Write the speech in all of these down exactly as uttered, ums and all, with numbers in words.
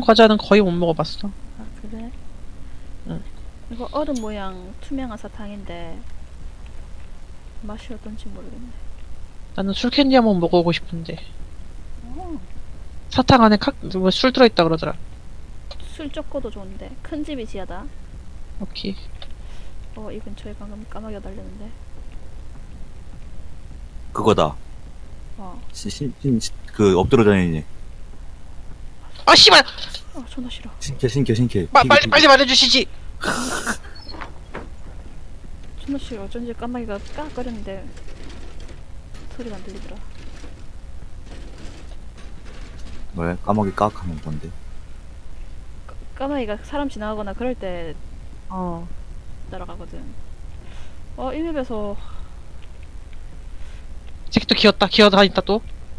과자는 거의 못 먹어봤어. 아 그래? 응. 이거 얼음 모양 투명한 사탕인데 맛이 어떤지 모르겠네. 나는 술캔디 한번 먹어보고 싶은데. 어, 사탕 안에 칵, 뭐 술 들어있다 그러더라. 술 적고도 좋은데 큰 집이 지하다. 오케이. 어, 이 근처에 방금 까마귀가 달렸는데. 그거다. 어, 신, 신, 신, 신- 그 엎드려 다니니. 아, 씨발! 아 존나 싫어. 신캐, 신캐, 신캐. 마, 피그, 빨리, 피그. 빨리 말해주시지! 존나 싫어. 어쩐지 까마귀가 깍거렸는데 소리가 안 들리더라. 왜? 까마귀 깍 하면 뭔데? 까마귀가 사람 지나가거나 그럴 때 어. 날아가거든. 어, 이 맵에서 새끼 또 기었다, 기어다닌다 또.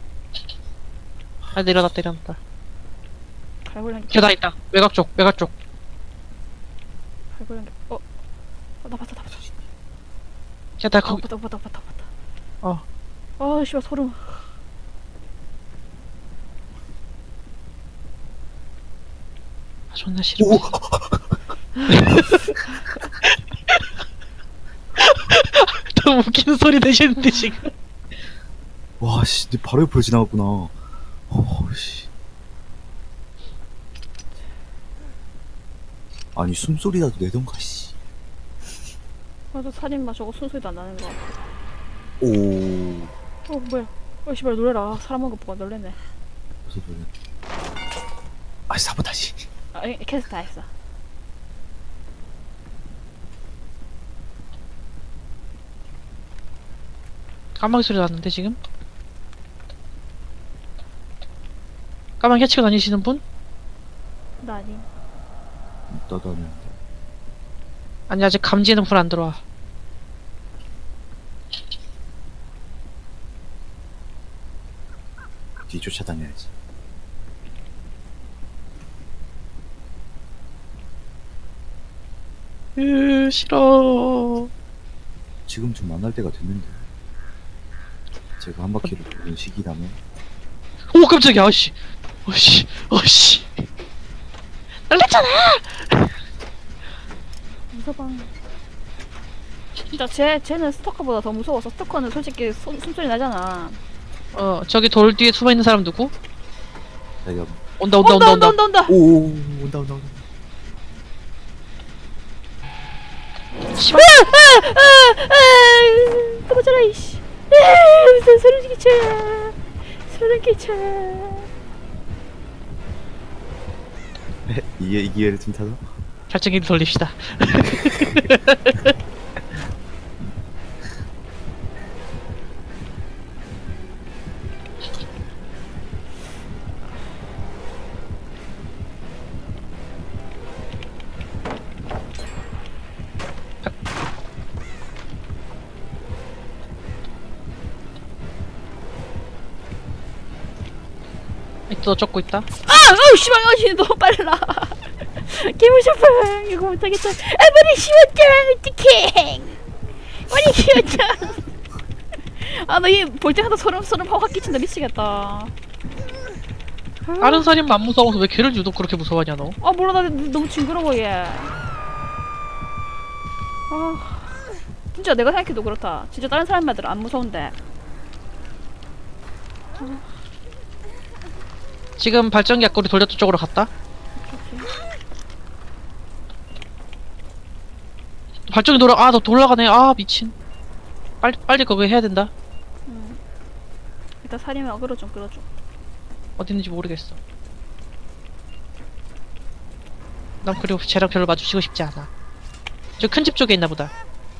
아, 내려놨다, 내려놨다. 갈고리한 게 기어다닌다. 외곽 쪽, 외곽 쪽. 갈고리한 게 어, 어, 나 봤다, 나 봤다. 야, 나 어, 거기, 봤다, 봤다, 봤다, 봤다. 어. 어, 씨발 소름. 아, 존나 싫어. 오! 너무 웃기는 소리 내시는데, 지금. 와, 씨, 내 바로 옆으로 지나갔구나. 어, 씨. 아니, 숨소리라도 내던가, 씨. 나도 살인마 저거 순소리도 안 나는 거 같아. 오. 어, 뭐야? 어, 씨발 놀래라. 사람 한거 보고 놀래네. 무슨 소리야? 아, 사보다시. 아, 이- 캐스트 다 했어. 까마귀 소리 났는데, 지금? 까마귀 해치고 다니시는 분? 나 아니. 떠다니는데. 아니, 아직 감지는 불 안 들어와. 뒤 쫓아다녀야지. 으, 싫어. 지금 좀 만날 때가 됐는데. 제가 한 바퀴를 돌린 시기라면. 오, 깜짝이야, 어씨. 어씨, 어씨. 놀랬잖아! 무서방. 진짜 쟤 쟤는 스토커보다 더 무서워서 스토커는 솔직히 소, 숨소리 나잖아. 어, 저기 돌 뒤에 숨어있는 사람 누구? 자기가, 온다, 온다, 온다, 온다. 온다, 온다. 오, 온다, 온다, 온다. 씨발! 도망쳐라 이씨. 아, 무슨 소름 끼쳐. 소름 끼쳐. 이게, 이 기회를 틈타서? 발전기를 돌립시다. 또 쫓고 있다. 아, 어우 씨발, 어씨 너무 빨라. 개무섭어. 이거 못하겠다. 아, 머리 씌웠다. 어떡해. 머리 씌웠다. 아, 나 이 볼 때마다 소름 소름 확 끼친다. 미치겠다. 다른 살인마 안 무서워서 왜 걔를 유독 그렇게 무서워하냐 너? 아, 몰라. 나 너무 징그러워 얘. 아, 진짜 내가 생각해도 그렇다. 진짜 다른 사람들은 안 무서운데. 지금 발전기 앞구리 돌렸던 쪽으로 갔다. 발전기 돌아. 아, 너 돌아가네. 아, 미친. 빨리 빨리 그거 해야 된다. 음. 일단 살이면 어그로 좀 끌어줘. 어디 있는지 모르겠어. 난 그리고 쟤랑 별로 마주치고 싶지 않아. 저 큰 집 쪽에 있나 보다.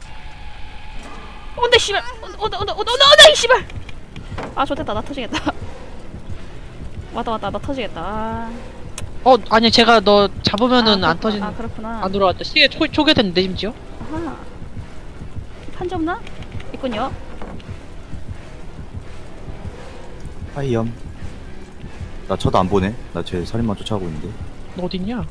온다 씨발. 온다 온다 온다 온다 온다 온다 이 씨발. 아, 좋됐다. 나 터지겠다. 왔다 왔다. 나 터지겠다. 아. 어, 아니 제가 너 잡으면은 아, 안 그렇구나. 터지는. 아, 그렇구나. 안 돌아왔다. 시계 초, 초기화됐는데 심지어. 아하. 판지 없나? 있군요. 하이염. 나 쳐도 안 보네. 나 쟤 살인마 쫓아가고 있는데. 너 어딨냐?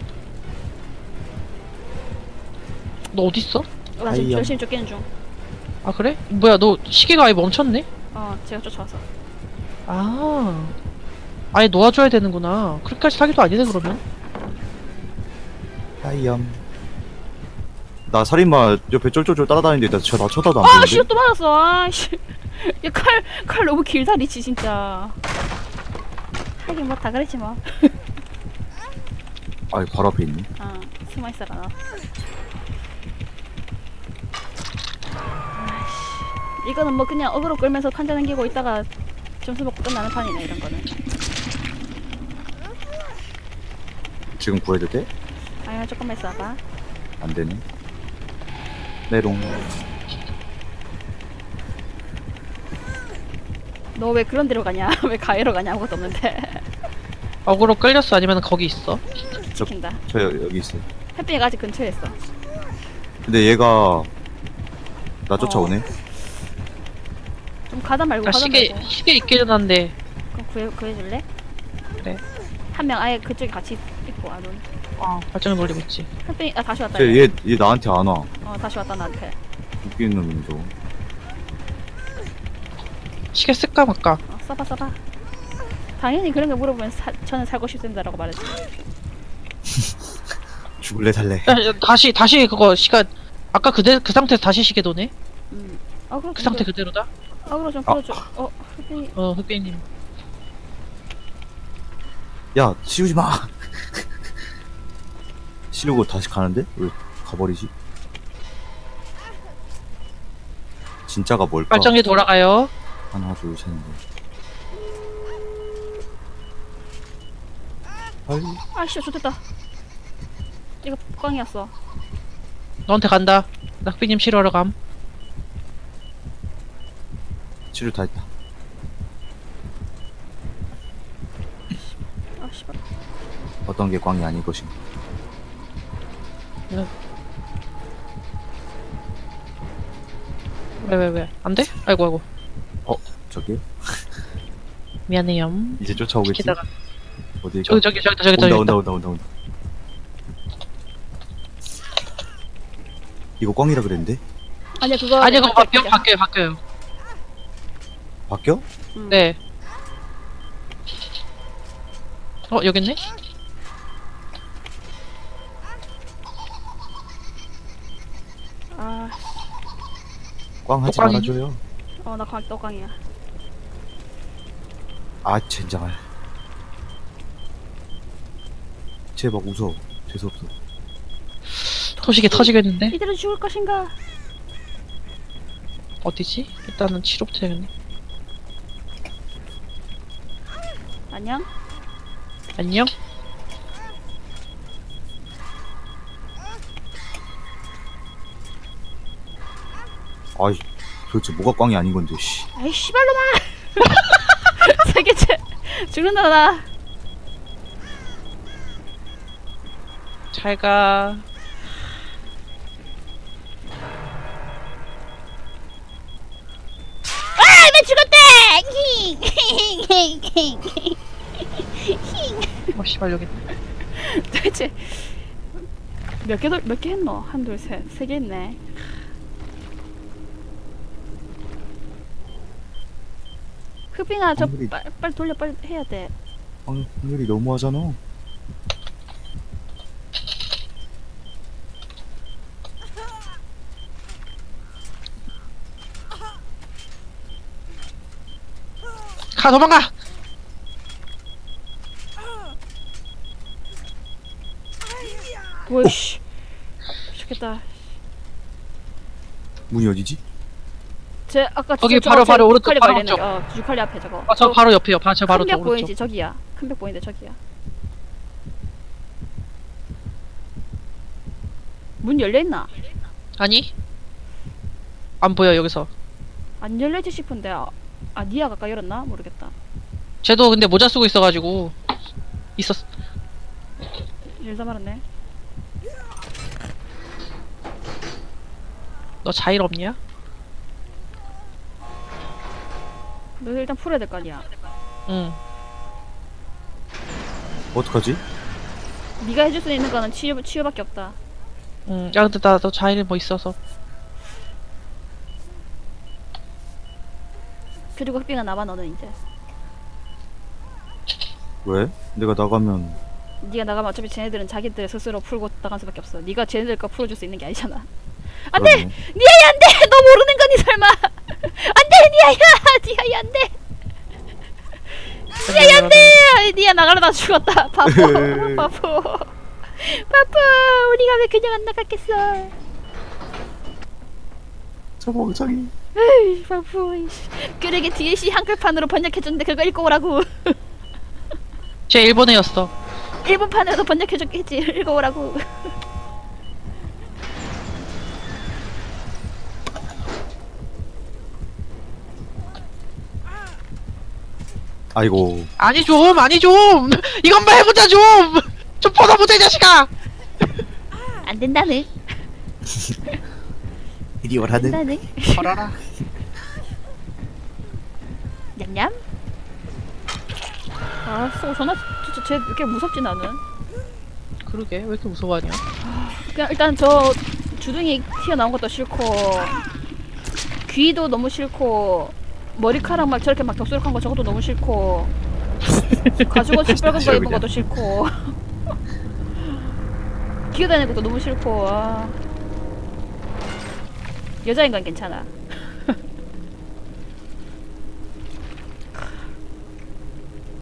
너 어딨어? 나 지금 아이야. 열심히 쫓기는 중. 아 그래? 뭐야 너 시계가 아예 멈췄네? 어 제가 쫓아와서. 아 아예 놓아줘야 되는구나. 그렇게까지 사기도 아니네 그러면. 하이염. 나 살인마 옆에 쫄쫄쫄 따라다니는데 나, 저, 나 쳐다도 안 아 보는데? 씨 또 맞았어. 아씨. 야칼 칼 너무 길다리치 진짜. 하긴 뭐 다 그랬지 뭐. 아이 바로 앞에 있네. 아 숨어 있어라 너. 아이씨. 이거는 뭐 그냥 어그로 끌면서 판자 남기고 있다가 점수 먹고 끝나는 판이네 이런 거는. 지금 구해도 돼? 아야 조금만 있어봐. 안 되네. 메롱. 너 왜 그런 데로 가냐? 왜 가해로 가냐? 아무것도 없는데. 어그로 끌렸어 아니면 거기 있어? 저, 시킨다. 저 여- 여기 있어요. 햇빛이가 아직 근처에 있어. 근데 얘가 나 쫓아오네. 좀 가다 말고 아 가다 시계 말고. 시계 있기는 한데 그럼 구해 구해줄래? 그래. 한 명 아예 그쪽에 같이 있고 안 온. 어 발전을 돌리고 있지. 햇빛 아 다시 왔다. 얘. 쟤얘 얘 나한테 안 와. 어 다시 왔다 나한테. 웃기는 놈이 저거. 시계 쓸까 말까? 어, 써봐 써봐. 당연히 그런 거 물어보면 사, 저는 살고 싶습니다라고 말했지. 죽을래 살래. 야, 야, 다시 다시 그거 시간 아까 그대 그 상태에서 다시 시계 도네? 음. 어 그럼 그 상태 그대로다? 어그로 좀 아. 끌어줘. 어 햇빛. 어 흑백님. 야 씌우지 마. 씌우고 다시 가는데 왜 가버리지? 진짜가 뭘까? 발전기 돌아가요. 하나 둘 셋 넷. 아이 아씨 좋됐다. 이거 꽝이었어. 너한테 간다. 나 흑백님 치료하러 감. 치료 다 했다. 아 씨발. 어떤 게 꽝이 아닐 것인가. 왜 왜 왜? 안 돼? 아이고 아이고. 어 저기 미안해요. 이제 쫓아오겠지? 시키다가 어디 저기 저기 저기 저기 저기 온다 있다. 온다 온다 온다 온다. 이거 꽝이라 그랬는데? 아니야 그거. 아니 그거 바뀌어 바뀌어. 바뀌어요 바뀌어요. 바뀌어? 음. 네. 어 여기 있네? 아. 꽝 하지 또 꽝이니? 말아줘요. 어나 꽝 또 꽝이야. 아 젠장할. 쟤 막 웃어. 재수없어. 토식이 터지겠는데? 이대로 죽을 것인가? 어디지? 일단은 치료부터 해야겠네. 안녕. 안녕? 아이 도대체 뭐가 꽝이 아닌 건데 씨. 아이 씨발로마. 세 개째 죽는다 나. 잘 가. 아, 나 죽었대! 어 씨발 여기 있네. 도대체 몇 개, 몇 개 했노? 한, 둘, 셋. 세 개 했네. 흑빙아, 저 확률이- 빨리, 빨리 돌려, 빨리 해야 돼. 확률이 너무하잖아. 가 도망가! 오이씨. 죽겠다. 문이 어디지? 제, 아까 거기 저- 바로, 저거 바로 제 오른쪽, 유칼리 바로 보이는 오른쪽. 거. 어, 유칼리 앞에 저거. 아 저 바로 옆이요. 바, 저 바로 저 큰벽 오른쪽. 보이지? 저기야. 큰 벽 보이는데 저기야. 문 열려있나? 아니? 안 보여 여기서. 안 열려있지 싶은데. 아, 아 니아가 아까 열었나? 모르겠다. 쟤도 근데 모자 쓰고 있어가지고 있었. 열다 말았네. 너 자일 없냐? 너 일단 풀어야 될 거 아니야. 응. 어떡하지? 네가 해줄 수 있는 거는 치유, 치유밖에 없다. 응. 야 근데 나너 자일 뭐 있어서. 그리고 흑빙아 남아 너는 이제. 왜? 내가 나가면 네가 나가면 어차피 쟤네들은 자기들 스스로 풀고 나갈 수밖에 없어. 네가 쟤네들 거 풀어줄 수 있는 게 아니잖아. 안돼! 그러네. 니아야 안돼! 너 모르는 거니 설마? 안돼 니아야! 니아야 안돼! 니아야 안돼! 니아 나가려다 죽었다. 바보 바보 바보. 우리가 왜 그냥 안 나갔겠어? 저 멍청이. 에이 바보. 그러게 디엘씨 한글판으로 번역해줬는데 그거 읽고 오라고. 쟤 일본애였어. 일본판으로도 번역해줬겠지. 읽고 오라고. 아이고. 아니 좀 아니 좀 이건 만 해보자 좀좀 벗어보자 이 자식아. 안 된다는. 이리 오라는. 된다는. 걸어라. 냠냠. 아, 쏘, 전화 진짜 쟤 이렇게 무섭지 나는. 그러게 왜 이렇게 무서워하냐? 그냥 일단 저 주둥이 튀어나온 것도 싫고 귀도 너무 싫고 머리카락 막 저렇게 막 덥수룩한 거 저것도 너무 싫고 가죽옷 시뻘건 거 입은 것도 싫고 기어다니는 것도 너무 싫고. 아. 여자인 건 괜찮아.